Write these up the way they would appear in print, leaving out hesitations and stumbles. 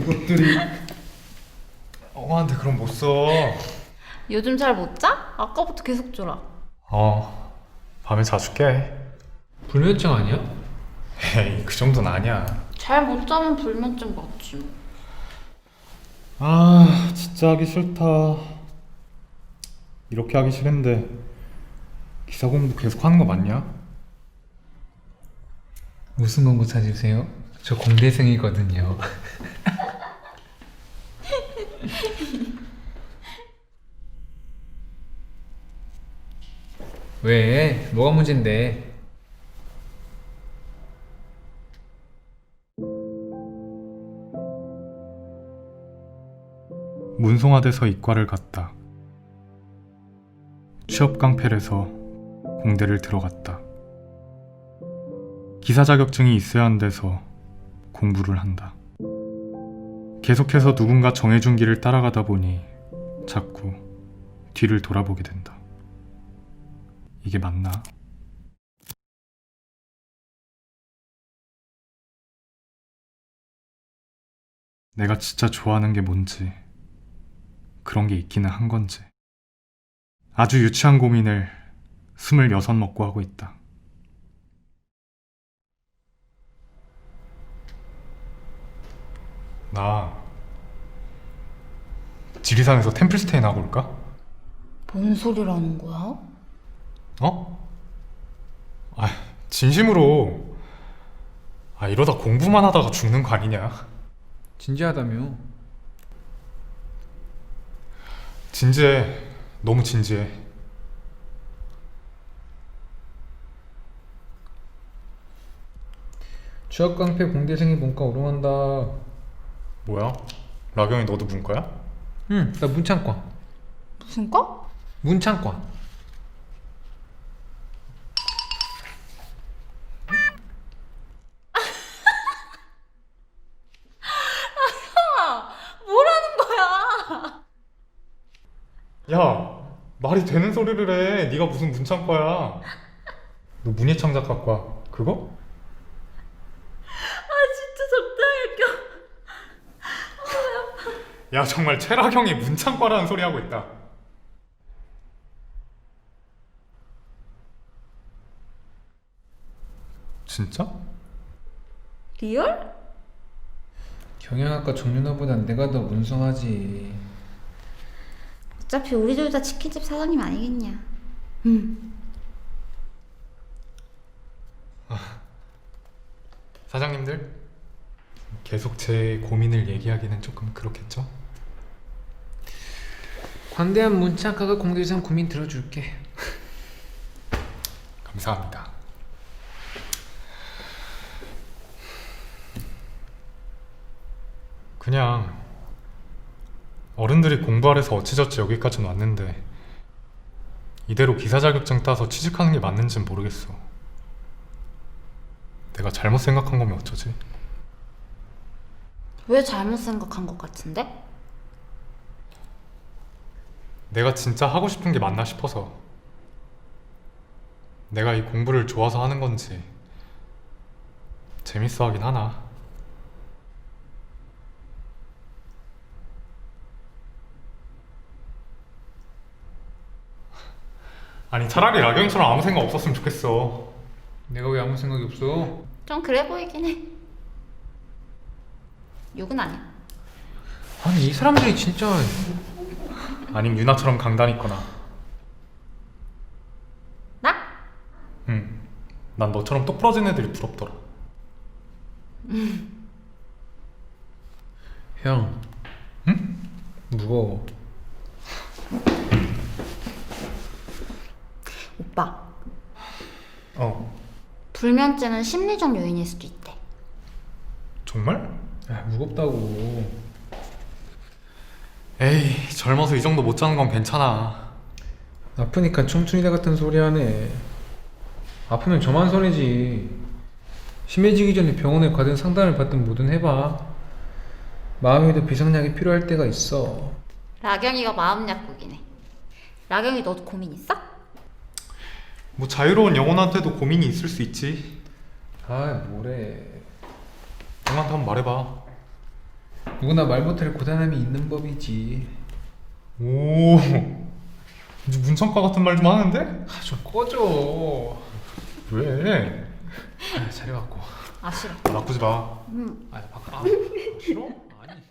이것들이 엄마한테 그럼 못 써. 요즘 잘 못 자? 아까부터 계속 졸아. 밤에 자주 깨. 불면증 아니야? 에이, 그 정도는 아니야. 잘 못 자면 불면증 맞지 뭐. 진짜 하기 싫다. 이렇게 하기 싫은데 기사 공부 계속 하는 거 맞냐? 무슨 공부 찾으세요? 저 공대생이거든요. 왜? 뭐가 문제인데? 문송화돼서 이과를 갔다. 취업 깡패를 해서 공대를 들어갔다. 기사 자격증이 있어야 한대서 공부를 한다. 계속해서 누군가 정해준 길을 따라가다 보니 자꾸 뒤를 돌아보게 된다. 이게 맞나? 내가 진짜 좋아하는 게 뭔지, 그런 게 있기는 한 건지. 아주 유치한 고민을 26 먹고 하고 있다. 나 지리산에서 템플스테이나 하고 올까? 뭔 소리라는 거야? 어? 진심으로. 이러다 공부만 하다가 죽는 거 아니냐? 진지하다며. 진지해. 너무 진지해. 취업 깡패 공대생이 문과 오름한다. 뭐야? 라경이 너도 문과야? 응, 나 문창과. 무슨 과? 문창과. 뭐라는 거야? 야, 말이 되는 소리를 해. 네가 무슨 문창과야? 너 문예창작학과 그거? 진짜 적당히 껴. 야, 정말 최라경이 문창과라는 소리 하고 있다. 진짜? 리얼? 경영학과 정윤아보단 내가 더 문성하지. 어차피 우리 둘 다 치킨집 사장님 아니겠냐. 사장님들, 계속 제 고민을 얘기하기는 조금 그렇겠죠? 관대한 문창과가 공대생 고민 들어줄게. 감사합니다. 그냥 어른들이 공부하래서 어찌저찌 여기까지는 왔는데 이대로 기사 자격증 따서 취직하는 게 맞는지는 모르겠어. 내가 잘못 생각한 거면 어쩌지? 왜 잘못 생각한 것 같은데? 내가 진짜 하고 싶은 게 맞나 싶어서. 내가 이 공부를 좋아서 하는 건지 재밌어 하긴 하나. 아니, 차라리 라경이처럼 아무 생각 없었으면 좋겠어. 내가 왜 아무 생각이 없어? 좀 그래 보이긴 해. 욕은 아니야. 아니 이 사람들이 진짜. 아님 유나처럼 강단 있거나. 나? 응. 난 너처럼 똑부러진 애들이 부럽더라. 형. 응? 무거워. 오빠, 불면증은 불면증은 심리적 요인일 수도 있대. 정말? 무겁다고. 에이, 젊어서 이 정도 못 자는 건 괜찮아. 아프니까 청춘이다 같은 소리 하네. 아프면 저만 손해지. 심해지기 전에 병원에 가든 상담을 받든 뭐든 해봐. 마음에도 비상약이 필요할 때가 있어. 라경이가 마음 약국이네. 라경이 너도 고민 있어? 뭐 자유로운 영혼한테도 고민이 있을 수 있지. 아 뭐래. 형한테 한번 말해봐. 누구나 말 못할 고단함이 있는 법이지. 오, 이제 문천과 같은 말 좀 하는데? 아, 좀 꺼져. 왜? 아, 자려갖고. 아 싫어. 나쁘지 마. 아, 바꿔. 싫어? 아니.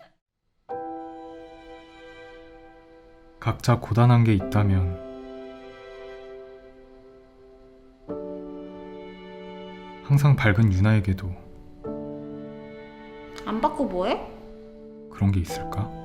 각자 고단한 게 있다면 항상 밝은 유나에게도 안 받고 뭐해? 그런 게 있을까?